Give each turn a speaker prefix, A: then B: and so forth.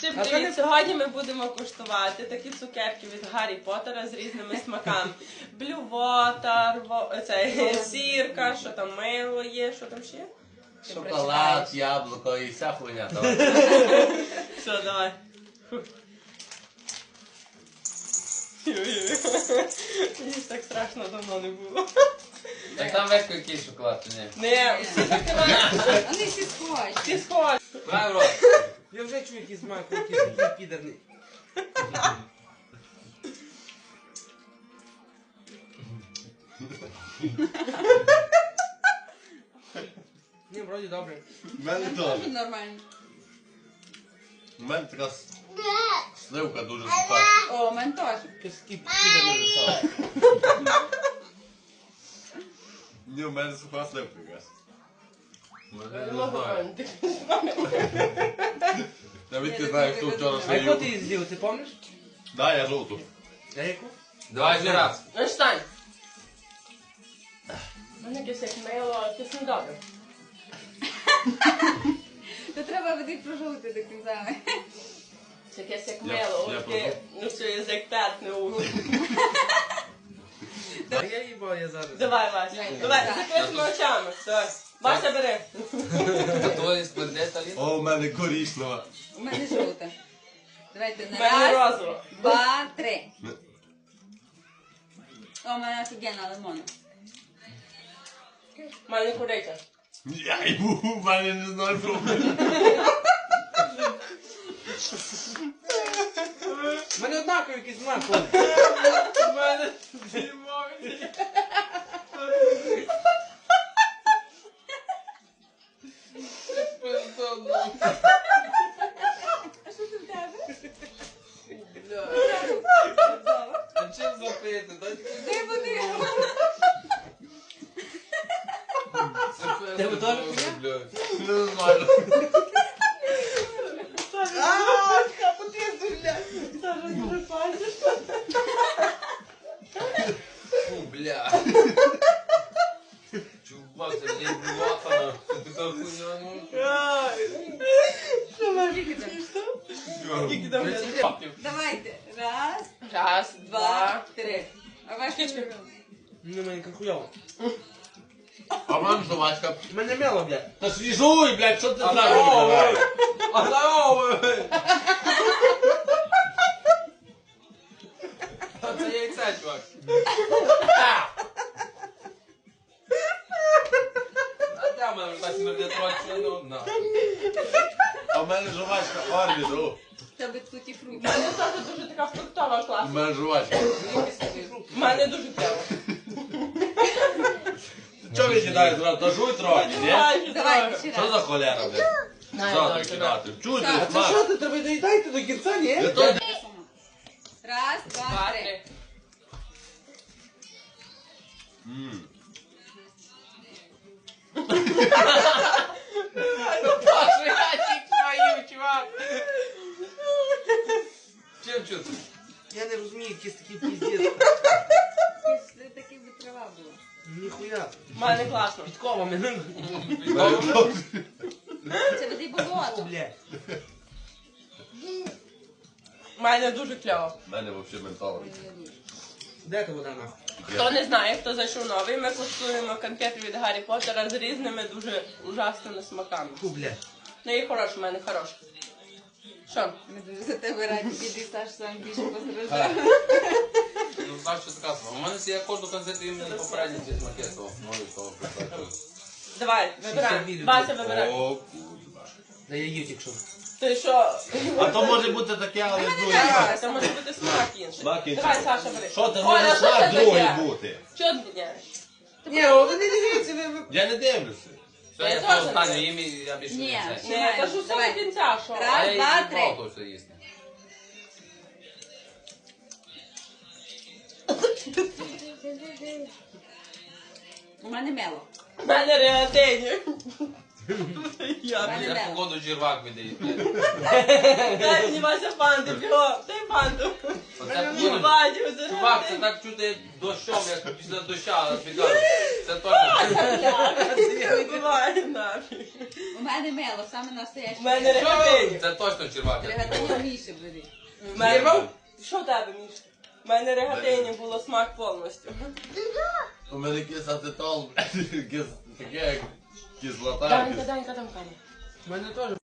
A: Всім привіт! Сьогодні ми будемо куштувати такі цукерки від Гаррі Поттера з різними смаками. Блювотер, сірка, що там мило є, що там ще?
B: Шоколад, яблуко і вся хуйня.
A: Все, давай. Мені так страшно давно не було.
B: Так там весь якийсь шоколад, чи ні?
A: Не, всі закривають.
C: Вони всі схожі.
A: Всі схожі.
B: Давай в рот.
D: Я вже чую якийсь смак, якийсь підерний. Ні, вроді добре.
B: У мене теж.
C: Дуже нормально.
B: У мене така сливка дуже суха.
C: О, у мене теж.
D: Якийсь підерний висок.
B: Ні, у мене суха сливка якась.
A: Я не можу пам'ятати.
B: Навіть ти знаєш, хто вчора
D: А яку
B: свою.
D: ти її з'їв, ти пам'ятаєш?
B: Да, я жовту.
D: А яку?
B: Давай ще раз.
A: Ну, встань. У мене якесь як мило, якесь недобре.
C: То треба буде прожувати до кінця.
A: Це якесь як
B: Я
A: мило, от
B: пробую.
A: ти, ну що, язик терпне у.
D: А я їбав, я зараз.
A: Давай, Вася, давай, з закритими очами. Давай. Вася, бери.
B: Твої складеться літ? О, у мене коричнева.
C: У мене жовта. Давайте
A: У
C: на
A: мене
C: раз,
A: розово.
C: 2, 3. О, у мене офігенна лимона.
A: У мене куриця.
B: Я йбу, у мене не знаю про мене.
D: У мене однаковий якийсь смак.
A: У мене димові.
C: А що це в тебе?
B: А чим запити?
C: Де вони?
B: Тебе
D: теж
B: Не знаю.
A: Саша, потрібно, блядь. Саша, дуже пальцеш.
B: Фу, бля. Чувак, це не блюватана. Це така хуйня, ну.
A: Що ви?
C: Скільки там?
A: Скільки там буде?
C: Давайте. Раз,
A: Раз,
C: 2, 3. А ваш
A: Кички.
D: Ну, мене хуйово.
B: А мам жувачка.
D: У мене мело, блядь.
B: Та свіжуй, блядь, що ти
D: А
B: зразу
D: здорово,
B: відкриваєш? А здорово! Це яйце, чувак. А де в мене так смердить трохи, ну, на. А в мене жувачка Орбіту.
C: Тебе тут і фрукти.
A: У мене теж дуже така фруктова
B: У
A: класна.
B: мене жувачка.
A: У мене дуже клево.
B: Чого ви кидаєте зразу? Та жуй трохи, ні?
C: Давайте ще
B: Що
C: раз.
B: за холера, блядь? Що ти кидати? Чуєте,
D: А це
B: смак?
D: що ти? Тебе доїдайте до кінця, ні?
B: Я то-
C: Раз, 2, 3.
B: М.
A: Паша, я тільки твою, чувак.
B: Чим чути?
D: Я не розумію, якийсь такий піздець.
C: Це таки би трава була.
D: Ніхуя.
A: У мене класно.
D: Підкова мене.
C: Це води болото.
D: Блядь.
A: У мене дуже клево.
B: У мене взагалі ментоловий.
D: Де та вода нахуй?
A: Хто не знає, хто зайшов новий, ми куштуємо конфети від Гаррі Поттера з різними дуже ужасними смаками.
D: Фу, блядь.
A: Ну і хороший, в мене хороший. Що?
C: Ми дуже за тебе раді, біди Саш сам більше постраждав.
B: Ну, знаєш, що така сама. У мене я кожну концерту іменно попередньо зі смакету. Можу того прикладати.
A: Давай, вибирай. Вася, вибирай.
B: О, курва.
D: Да я їв тільки що.
A: Ти що?
B: А то може бути таке, але друге.
A: Давай, це може бути смак інший.
B: Смак інший.
A: Давай, Саша, бери.
B: Що ти
A: Оля,
B: може
A: що
B: смак
A: це
B: другий
A: таке?
B: бути?
A: Чого ти міняєш?
D: Ні, о, ви не дивіться, ви...
B: Я не дивлюся.
A: Я
B: Все, я
A: теж
B: по останню
A: не.
B: їм і я більше
C: Ні.
B: не знаю.
A: Ні, кажу, все
C: Давай.
A: до кінця, що?
C: Раз.
B: А я
C: Два,
B: їм
C: три.
B: мало то все їсти.
C: У мене мело.
A: У мене реатині. Я.
C: Мене
B: Я
C: мело.
B: походу жирвак видаю.
A: Дай мені Вася фанти, бігом, дай фанту.
B: Оце буде.
A: Бачу, це
B: Чувак, це так чути як дощом, як після доща, я тобі кажу. Це точно.
A: буває нафіг.
C: У мене мело, саме настояще.
A: У мене регатині.
B: Це точно червак.
C: Регатині Міші буде.
A: У мене... Що в тебе, Міш? У мене регатині було смак повністю.
B: У мене якийсь ацетол, таке як кислота.
A: Данька, там камера.
D: У мене теж